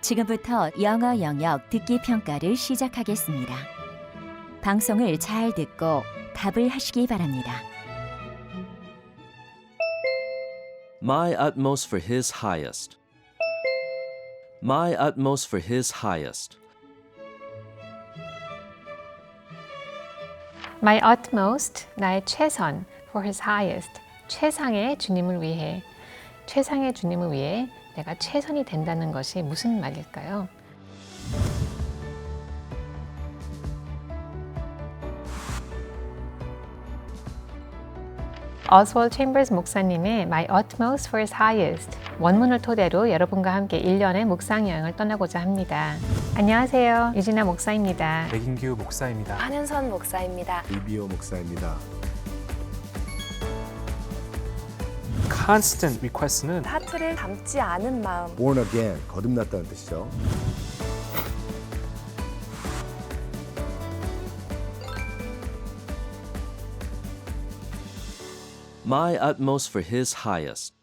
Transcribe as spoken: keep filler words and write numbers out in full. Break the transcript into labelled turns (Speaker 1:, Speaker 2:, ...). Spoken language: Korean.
Speaker 1: 지금부터 영어 영역 듣기 평가를 시작하겠습니다. 방송을 잘 듣고 답을 하시기 바랍니다.
Speaker 2: My utmost for his highest. My utmost for his highest.
Speaker 3: My utmost, 나의 최선, for his highest, 최상의 주님을 위해, 최상의 주님을 위해 내가 최선이 된다는 것이 무슨 말일까요? 오스월드 챔버스 목사님의 My utmost for his highest 원문을 토대로 여러분과 함께 일 년의 묵상 여행을 떠나고자 합니다. 안녕하세요. 유진아 목사입니다.
Speaker 4: 백인규 목사입니다.
Speaker 5: 한윤선 목사입니다.
Speaker 6: 이비오 목사입니다.
Speaker 4: Constant request는
Speaker 5: 하트를 담지 않은 마음.
Speaker 6: Born again, 거듭났다는 뜻이죠.
Speaker 2: My utmost for his highest.